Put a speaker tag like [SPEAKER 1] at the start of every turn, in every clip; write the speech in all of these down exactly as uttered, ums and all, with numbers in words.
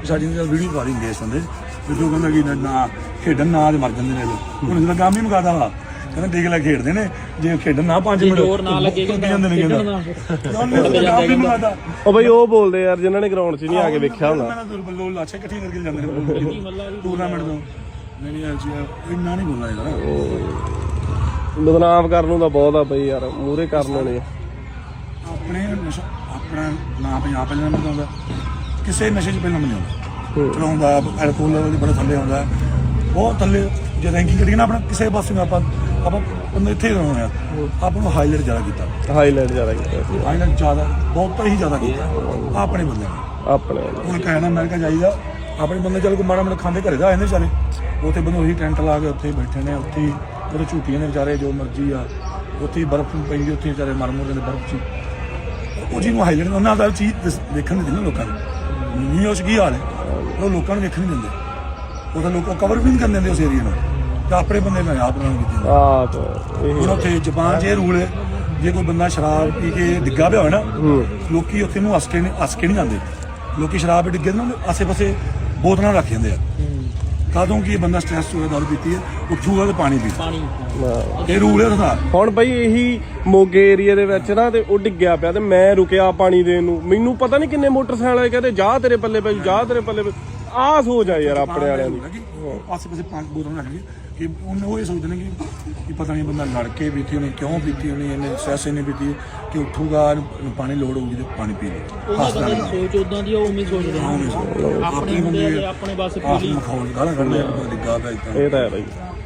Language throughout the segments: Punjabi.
[SPEAKER 1] ਸਾਡੀ ਵੀਡੀਓ ਪਾ ਰਹੀ ਇਸ ਬੰਦੇ ਵੀ ਜੋ ਕਹਿੰਦਾ ਕਿ ਨਾ ਖੇਡਣ ਨਾ ਮਰ ਜਾਂਦੇ ਨੇ ਲੋਕ ਹੁਣ ਜਿਹੜਾ ਕੰਮ ਹੀ ਮੁਕਾਦਾ ਵਾ ਕਹਿੰਦਾ ਦੇਖ ਲੈ ਖੇਡਦੇ ਨੇ ਜੇ ਖੇਡਣ ਨਾ ਪੰਜ ਮਿੰਟ
[SPEAKER 2] ਜ਼ੋਰ ਨਾ ਲੱਗੇ
[SPEAKER 1] ਜਾਂਦੇ ਨੇ ਕਹਿੰਦਾ
[SPEAKER 3] ਉਹ ਬਈ ਉਹ ਬੋਲਦੇ ਯਾਰ ਜਿਨ੍ਹਾਂ ਨੇ ਗਰਾਊਂਡ 'ਚ ਨਹੀਂ ਆ ਕੇ ਵੇਖਿਆ ਹੁੰਦਾ
[SPEAKER 1] ਬੱਲੋ ਲਾਛੇ ਇਕੱਠੇ ਕਰਕੇ ਜਾਂਦੇ ਨੇ ਟੂਰਨਾਮੈਂਟ ਤੋਂ ਨਹੀਂ ਨਹੀਂ ਇੰਨਾ ਨਹੀਂ ਬੋਲਣਾ ਯਾਰ
[SPEAKER 3] ਬਦਨਾਮ ਕਰਨ ਨੂੰ ਤਾਂ ਬਹੁਤ ਆ ਬਈ ਯਾਰ ਮੂਹਰੇ ਕਰਨ ਵਾਲੇ
[SPEAKER 1] ਆਪਣੇ ਨਸ਼ਾ ਆਪਣਾ ਨਾਂ ਪੰਜਾਬ ਪਹਿਲਾਂ ਨਹੀਂ ਆਉਂਦਾ ਕਿਸੇ ਨਸ਼ੇ 'ਚ ਪਹਿਲਾਂ ਨਹੀਂ ਆਉਂਦਾ ਚਲਾਉਂਦਾ ਐਲਕੋਹਲ ਲੈਵਲ ਬੜਾ ਥੱਲੇ ਆਉਂਦਾ ਬਹੁਤ ਥੱਲੇ ਜੇ ਰੈਂਕਿੰਗ ਕਰੀਏ ਨਾ ਆਪਣਾ ਕਿਸੇ ਪਾਸੇ ਨੂੰ ਆਪਾਂ ਆਪਾਂ ਉਹਨੇ ਇੱਥੇ ਹੋਣਾ ਆਪਾਂ ਨੂੰ ਹਾਈਲਾਈਟ ਜ਼ਿਆਦਾ ਕੀਤਾ
[SPEAKER 3] ਹਾਈਲਾਈਟ ਜ਼ਿਆਦਾ ਕੀਤਾ
[SPEAKER 1] ਹਾਈਲਾਈਟ ਜ਼ਿਆਦਾ ਬਹੁਤ ਹੀ ਜ਼ਿਆਦਾ ਕੀਤਾ ਆਪਣੇ ਬੰਦੇ ਨੇ
[SPEAKER 3] ਆਪਣੇ
[SPEAKER 1] ਹੁਣ ਕਹਿਣਾ ਮੈਂ ਕਿਹਾ ਜਾਈਦਾ ਆਪਣੇ ਬੰਦੇ ਚੱਲ ਕੋ ਮਾੜਾ ਮਾੜਾ ਖਾਂਦੇ ਘਰੇ ਦਾ ਆਏ ਨੇ ਵਿਚਾਰੇ ਉੱਥੇ ਬੰਦੇ ਉਹੀ ਟੈਂਟ ਲਾ ਕੇ ਉੱਥੇ ਬੈਠੇ ਨੇ ਉੱਥੇ ਉਹਦੇ ਝੂਟੀਆਂ ਨੇ ਵਿਚਾਰੇ ਜੋ ਮਰਜ਼ੀ ਆ ਉੱਥੇ ਬਰਫ਼ ਪੈਂਦੀ ਉੱਥੇ ਵਿਚਾਰੇ ਮਰ ਮੁਰ ਜਾਂਦੇ ਬਰਫ਼ 'ਚ ਉਹ ਜਿਹਨੂੰ ਹਾਈਲਾਈਟ ਉਹਨਾਂ ਦਾ ਚੀਜ਼ ਦੇਖਣ ਨਹੀਂ ਦਿੰਦੇ ਲੋਕਾਂ ਨੂੰ ਨਹੀਂ ਉਸ ਕੀ ਹਾਲ ਹੈ ਉਹ ਲੋਕਾਂ ਨੂੰ ਵੇਖਣ ਨਹੀਂ ਦਿੰਦੇ ਉਹ ਤਾਂ ਲੋਕ ਕਵਰ ਵੀ ਨਹੀਂ ਕਰਨ ਦਿੰਦੇ ਉਸ ਏਰੀਏ ਨੂੰ ਤਾਂ ਆਪਣੇ ਬੰਦੇ ਮੈਂ ਆਪ ਨਾਲ ਕੀਤੀ
[SPEAKER 3] ਆਪ
[SPEAKER 1] ਹੁਣ ਉੱਥੇ ਜਾਪਾਨ 'ਚ ਇਹ ਰੂਲ ਹੈ ਜੇ ਕੋਈ ਬੰਦਾ ਸ਼ਰਾਬ ਪੀ ਕੇ ਡਿੱਗਾ ਪਿਆ ਹੋਵੇ ਨਾ ਲੋਕੀ ਉੱਥੇ ਨੂੰ ਹੱਸ ਕੇ ਨਹੀਂ ਹੱਸ ਕੇ ਨਹੀਂ ਜਾਂਦੇ ਲੋਕੀ ਸ਼ਰਾਬ ਪੀ ਡਿੱਗੇ ਨਾ ਆਸੇ ਪਾਸੇ ਬੋਤਲਾਂ ਰੱਖ ਜਾਂਦੇ ਆ ਕਦੋਂ ਕਿ ਇਹ ਬੰਦਾ ਸਟ੍ਰੈਸ ਹੋ ਗਿਆ ਦਾਰੂ ਪੀਤੀ ਹੈ ਉੱਠੂਗਾ ਤੇ ਪਾਣੀ ਪੀ
[SPEAKER 2] ਪਾਣੀ
[SPEAKER 1] ਇਹ ਰੂਲ ਹੈ ਉਹਦਾ
[SPEAKER 3] ਹੁਣ ਬਈ ਇਹੀ ਮੋਗੇ ਏਰੀਏ ਦੇ ਵਿੱਚ ਨਾ ਤੇ ਉਹ ਡਿੱਗਿਆ ਪਿਆ ਤੇ ਮੈਂ ਰੁਕਿਆ ਪਾਣੀ ਦੇਣ ਨੂੰ ਮੈਨੂੰ ਪਤਾ ਨਹੀਂ ਕਿੰਨੇ ਮੋਟਰਸਾਈਕਲ ਆਏ ਕਹਿੰਦੇ ਜਾ ਤੇਰੇ ਪੱਲੇ ਪੈ ਜਾ ਤੇਰੇ ਪੱਲੇ ਪੈ ਆਹ ਸੋਚ ਆ ਯਾਰ ਆਪਣੇ ਵਾਲਿਆਂ ਦੀ
[SPEAKER 1] ਆਸੇ ਪਾਸੇ ਪੰਜ ਬੋਤਲਾਂ ਰੱਖ ਗਏ ਕਿ ਉਹਨੇ ਉਹ ਇਹ ਸੋਚਦੇ ਨੇ ਕਿ ਕਿ ਪਤਾ ਨਹੀਂ ਬੰਦਾ ਲੜ ਕੇ ਪੀਤੀ ਹੋਣੀ ਕਿਉਂ ਪੀਤੀ ਹੋਣੀ ਇਹਨੇ ਸੈਸ ਇਹਨੇ ਪੀਤੀ ਕਿ ਉੱਠੂਗਾ ਪਾਣੀ ਲੋੜ ਹੋਊਗੀ ਤੇ ਪਾਣੀ ਪੀ ਲੇ
[SPEAKER 2] ਉਹਨਾਂ ਬੰਦੇ ਦੀ ਸੋਚ ਉਦਾਂ ਦੀ ਉਹ ਉਵੇਂ ਸੋਚਦੇ ਨੇ ਆਪਣੇ ਬੰਦੇ ਆਪਣੇ ਬਸ ਪੀਲੀ
[SPEAKER 1] ਮਖੌਲ ਗਾਲਾਂ ਕੱਢਦੇ ਡਿੱਗਾ ਪਿਆ ਇਦਾਂ
[SPEAKER 3] ਇਹ ਤਾਂ ਹੈ ਬਈ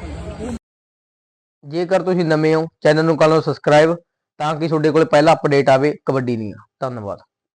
[SPEAKER 4] ਜੇਕਰ ਤੁਸੀਂ ਨਵੇਂ ਹੋ ਚੈਨਲ ਨੂੰ ਕਰ ਲਓ ਸਬਸਕ੍ਰਾਈਬ ਤਾਂ ਕਿ ਤੁਹਾਡੇ ਕੋਲ ਪਹਿਲਾ ਅਪਡੇਟ ਆਵੇ ਕਬੱਡੀ ਦੀਆਂ। ਧੰਨਵਾਦ।